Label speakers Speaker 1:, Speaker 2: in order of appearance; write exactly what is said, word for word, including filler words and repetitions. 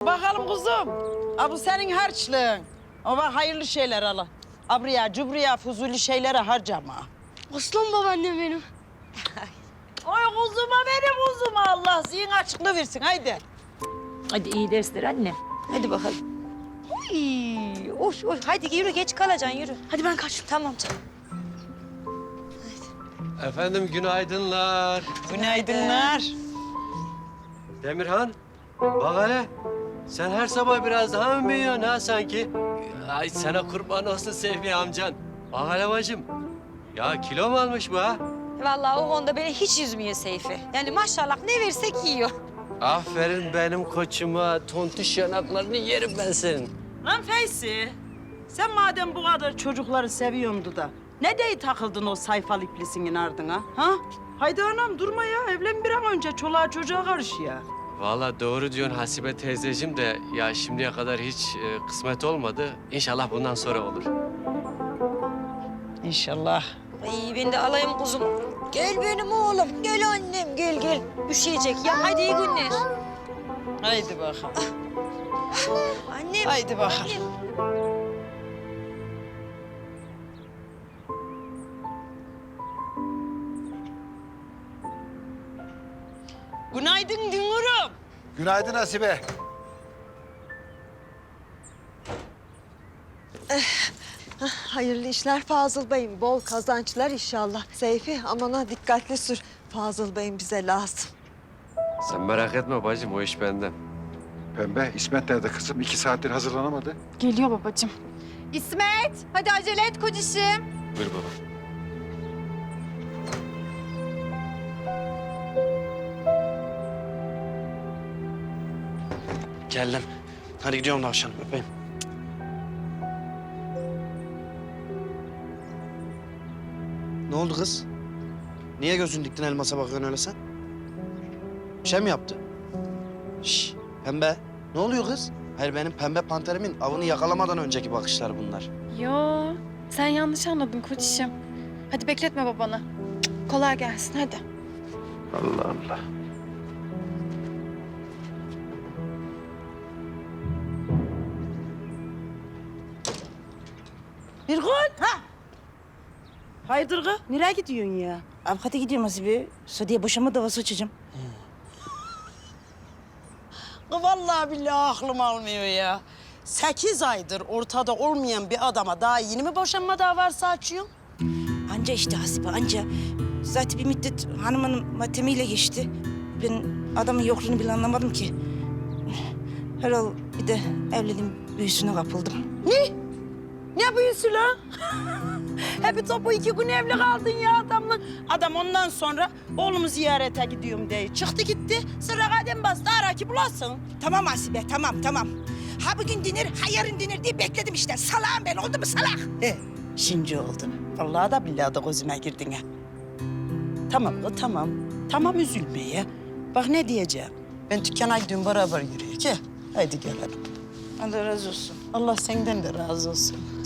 Speaker 1: bakalım kuzum. Ha, bu senin harçlığın. Ama hayırlı şeyler ala. Abriya, cubriya, fuzuli şeylere harcama.
Speaker 2: Aslan babaannem benim.
Speaker 1: Oy kuzuma benim kuzuma, Allah zihin açıklığı versin, haydi.
Speaker 3: Hadi iyi dersler anne. Hadi bakalım. Uy, oş, oş. Hadi yürü, geç kalacaksın, yürü.
Speaker 2: Hadi ben kaçtım.
Speaker 3: Tamam canım.
Speaker 4: Efendim günaydınlar.
Speaker 1: Günaydınlar.
Speaker 4: Demirhan, bak hele. Sen her sabah biraz daha mı büyüyorsun ha sanki? Ay sana kurban olsun Sehmi amcan. Bak hele bacım. Ya kilo mu almış bu ha?
Speaker 3: Vallahi o konuda beni hiç üzmüyor Seyfi. Yani maşallah ne versek yiyor.
Speaker 4: Aferin benim koçuma. Tontiş yanaklarını yerim ben senin.
Speaker 1: Lan Feysi, sen madem bu kadar çocukları seviyordu da... ...ne diye takıldın o sayfalı iblisinin ardına, ha? Haydi anam durma ya, evlen bir an önce çoluğa çocuğa karış ya.
Speaker 4: Vallahi doğru diyorsun Hasibe teyzeciğim de... ...ya şimdiye kadar hiç e, kısmet olmadı. İnşallah bundan sonra olur.
Speaker 1: İnşallah.
Speaker 3: Ay ben de alayım kuzum. Gel benim oğlum, gel annem, gel gel. Üşüyecek ya, hadi iyi günler.
Speaker 1: Haydi bakalım.
Speaker 3: Annem.
Speaker 1: Haydi bakalım.
Speaker 3: Annem.
Speaker 1: Günaydın Dünür'üm.
Speaker 5: Günaydın Hasibe.
Speaker 6: Hayırlı işler Fazıl Bey'im. Bol kazançlar inşallah. Seyfi amana dikkatli sür. Fazıl Bey'im bize lazım.
Speaker 4: Sen merak etme bacım, o iş benden.
Speaker 5: Pembe, İsmet nerede kızım? İki saattir hazırlanamadı.
Speaker 2: Geliyor babacığım.
Speaker 7: İsmet, hadi acele et kocişim.
Speaker 4: Buyur baba.
Speaker 8: Geldim. Hadi gidiyorum tavşanım, öpeyim. Ne oldu kız? Niye gözün diktin elmasa bakıyorsun öyle sen? Bir şey mi yaptı? Şş, pembe. Ne oluyor kız? Hayır benim pembe panterimin avını yakalamadan önceki bakışlar bunlar.
Speaker 2: Yo, sen yanlış anladın koçişim. Hadi bekletme babanı. Cık, kolay gelsin hadi.
Speaker 5: Allah Allah.
Speaker 1: Bir gün, ha? Hayırdır kız? Nereye gidiyorsun ya?
Speaker 9: Avukata gidiyorum Hasibe. Sadiye boşanma davası açacağım.
Speaker 1: Kız vallahi billahi aklım almıyor ya. Sekiz aydır ortada olmayan bir adama daha yeni mi boşanma davası açıyorsun?
Speaker 9: Anca işte Hasibe anca. Zaten bir müddet hanımın matemiyle geçti. Ben adamın yokluğunu bile anlamadım ki. Herhal bir de evliliğin büyüsüne kapıldım.
Speaker 1: Ne? Ne büyüsü lan? Hep topu iki gün evli kaldın ya adamla. Adam ondan sonra oğlumu ziyarete gidiyorum diye çıktı gitti. Sıra kadem bastı, ara ki bulasın.
Speaker 9: Tamam Hasibe tamam tamam. Ha bugün dinir ha yarın dinir diye bekledim işte. Salağım ben oldu mu salak?
Speaker 1: He, şimdi oldu. Vallahi da billahi da gözüme girdin ha. Tamam kız tamam. Tamam üzülme ya. Bak ne diyeceğim. Ben dükkana gidiyorum beraber yürüyük. He. Haydi gel hadi.
Speaker 9: Allah razı olsun.
Speaker 1: Allah senden de razı olsun.